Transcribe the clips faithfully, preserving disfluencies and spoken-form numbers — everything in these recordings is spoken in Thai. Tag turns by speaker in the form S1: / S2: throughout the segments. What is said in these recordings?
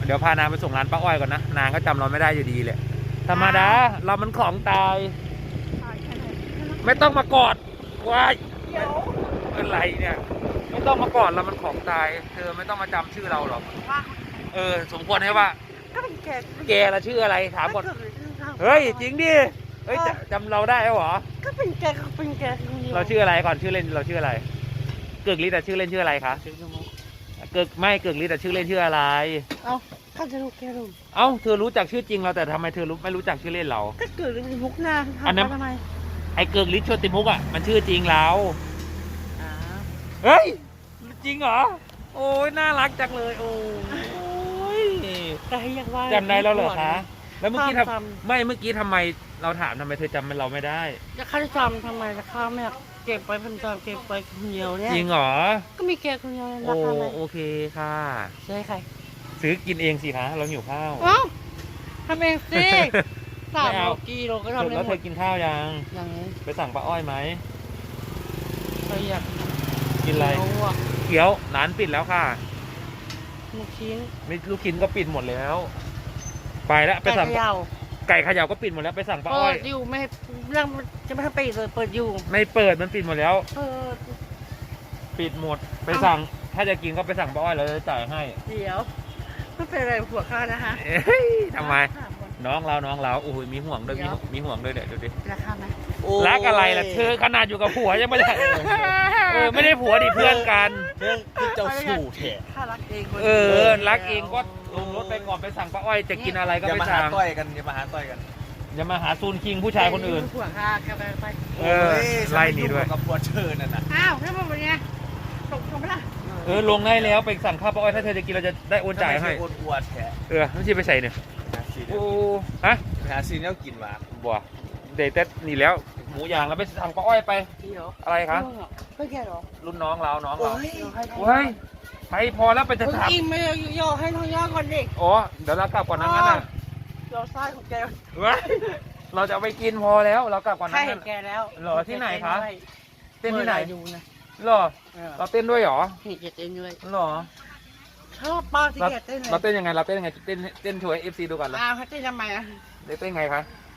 S1: เดี๋ยวพานางไปส่งร้านป้าอ้อยก่อนนะนางก็จำเราไม่ได้อยู่ดีเลยธรรมดาเรามันของตายไม่ต้องมากอดว้ายอะไรเนี่ยไม่ต้องมากอดเรามันของตายเธอไม่ต้องมาจำชื่อเราหรอกเออสมควรให้ว่า
S2: ก็เป็นแก
S1: แกละชื่ออะไรถามก่อนเฮ้ยจริงดิเฮ้ยจำเราได้เหรอ
S2: ก็เป็นแกก็เป็นแก
S1: เราชื่ออะไรก่อนชื่อเล่นเราชื่ออะไรเกิกฤทธิ์แต่ชื่อเล่นชื่ออะไรคะเกิกไม่เกิกฤทธิ์แต่ชื่อเล่นชื่ออะไร
S2: เอ้าข้าจะรู้แกรู้
S1: เอ้าเธอรู้จักชื่อจริงเราแต่ทำไมเธอรู้ไม่รู้จักชื่อเล่นเรา
S2: ก็เกิดในมุกหน้า
S1: อันนั้น
S2: ทำไม
S1: ไอ้เกิกฤทธิ์โชติมุกอ่ะมันชื่อจริงเราเฮ้ยจริงเหรอโอ้ยน่ารักจังเลยโอ้ย
S2: แต่ให้ยังว่า
S1: จำได้แล้วเหรอคะแล้วเมื่อกี้ทำไม่เมื่อกี้ทำไมเราถามทำไมเธอจำเราไม่ได้
S2: จะข้าจะจำทำไมจะข้าไม่เก็บไปพันจำเก็บไปคนเดียวเนี่ย
S1: จริงเหรอ
S2: ก็มีแกคนเดียว
S1: โอ้โอเคค่ะ
S2: ใช่ใคร
S1: ซื้อกินเองสิคะเราหิวข้าว
S2: อ้าวทำเองสิสามโลกิโลก็ทำได้หมด
S1: แล้วเธอกินข้าวยัง
S2: ยัง
S1: ไปสั่งป้าอ้อยไหม
S2: ไปอยาก
S1: กินอะไรเกี๊ยวร้านปิดแล้วค่ะ
S2: ลูกชิ้น
S1: ไม่ลูกชิ้นก็ปิดหมดแล้วไปแล้วไปสั่งไก่เขย่าก็ปิดหมดแล้วไปสั่งป้าอ้อย
S2: เปิดอยู่ไม่เรื่องจะไม่ทำปิดเลยเปิดอยู่
S1: ไม่เปิดมันปิดหมดแล้ว
S2: เปิด
S1: ปิดหมดไปสั่งถ้าจะกินก็ไปสั่งป้าอ้อยเราจะจ่ายให้
S2: เดี๋ยวไม่เป็นไรผัวข้านะฮะ
S1: ทำไมน้องเราน้องเราโอ้ยมีห่วงด้วยมีมีห่วงด้วยเดี๋ยวดูดิ
S2: รักข้าไหม
S1: รักอะไรล่ะเธอขนาดอยู่กับผัวยังไม่ได้เออไม่ได้ผัวดิเพื่อนกัน
S3: เพื่อนคือเจ้าชู้แท้
S2: ข้ารักเอง
S1: เออรักเองก็ลงรถไปก่อนไปสั่งป้าอ้อยจะกินอะไรก็ไปสั่ง
S3: อย่ามาหาต้อยกันอย่ามาหาต้อยกัน
S1: อย่ามาหาซูนคิงผู้ชายคนอื่น
S2: ผัวข้าแกไปไป
S1: เออไล่หนีด้วย
S3: กับผัวเชิญนั่นน่ะ
S2: อ้าวแล้วมันเป็นไงตกลงไปละ
S1: เออลงได้แล้วไปสั่งข้าวป้าอ้อยถ้าเธอจะกินเราจะได้โอนจ่ายให้
S3: โอนอวดแท้
S1: เออไม่ใช่ไปใส่เนี่ยโอ้ฮะ
S3: หาซีนแล้วกินมา
S1: บัวเดทเต็ดนี่แล้วหมูย่างแล้วไปสั่งป้าอ้อยไปอะไรคะ
S2: ไม่แก่หรอ
S1: รุ่นน้องเราน้องเราเฮ้ยไปพอแล้วไปจะถาม
S2: อิ่มไม่ย่อให้ท้องย่อก่อนดิ
S1: อ๋อเดี๋ยวเรากลับก่อนนะงั้นน่ะ
S2: เราไส้ของแก
S1: เราจะไปกินพอแล้วเรากลับก่อนนะ
S2: ใช่แกแล้ว
S1: หรอที่ไหนคะเต้นที่ไหน
S2: อยู่นะ
S1: หรอเราเต้นด้วยหรอ
S2: เห็นแกเต้นด้วย
S1: หรอ
S2: ชอบป้าที่แกเต้นเลย
S1: เราเต้นยังไงเราเต้นยังไงเต้นเต้นช่วยเอฟซีดูก่อนเลย
S2: อ้าวเขาเต้นทำไมอ่ะ
S1: เต้นไงคะ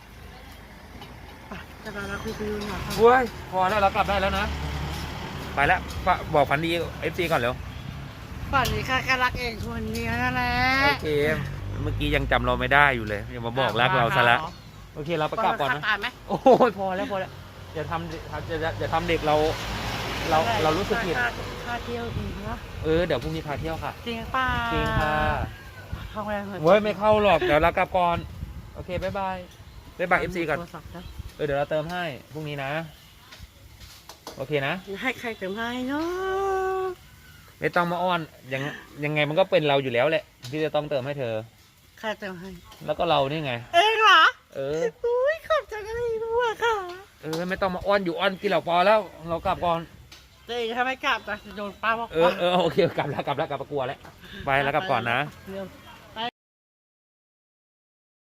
S2: จะมาเราคุยกันอยู่หน่อย
S1: เว้ยพอแล้วเรากลับได้แล้วนะไปแล้วบอกฝันดีเอฟซีก่อนเร็ว
S2: ฝันดีค่ะแค่รักเองคนเดียวนั่นแหละ
S1: โอเคเมื่อกี้ยังจำเราไม่ได้อยู่เลยยังมาบอกรักเราซะแล้วโอเคเราไปกลับก่อนนะโอ้ยพอแล้วพอแล้วอย่าทำอย่าอย่าทำเด็กเราเราเรารู้สึกผิด
S2: พาเที่ยวดีนะ
S1: เออเดี๋ยวพรุ่งนี้พาเที่ยวค่ะ
S2: จริงป่ะ
S1: จริงค่ะ
S2: เข้าไป
S1: เว้ยไม่เข้าหรอกเดี๋ยวเรากลับก่อนโอเคบ๊ายบายบ๊ายบายเอฟซีก่อนเออเดี๋ยวเราเติมให้พรุ่งนี้นะโอเคนะ
S2: ให้ใครเติมให้เนาะ
S1: ไม่ต้องมาอ้อนยังยังไงมันก็เป็นเราอยู่แล้วแหละที่จะต้องเติมให้เธอ
S2: ใครเติมให้
S1: แล้วก็เรานี่ไง
S2: เองเหรอ
S1: เออ
S2: อุ้ยขอบใจกันเลยด้วยค่ะ
S1: เออไม่ต้องมาอ้อนอยู่อ้อนกินเหล่าปอแล้วเรากลับก่อน
S2: เดี๋ยวถ้าไม่กลับจะโดนป้าบอก
S1: เออเออโอเคกลับแล้วกลับแล้วกลับประกวดแล้วไปแล้วกลับก่อนนะ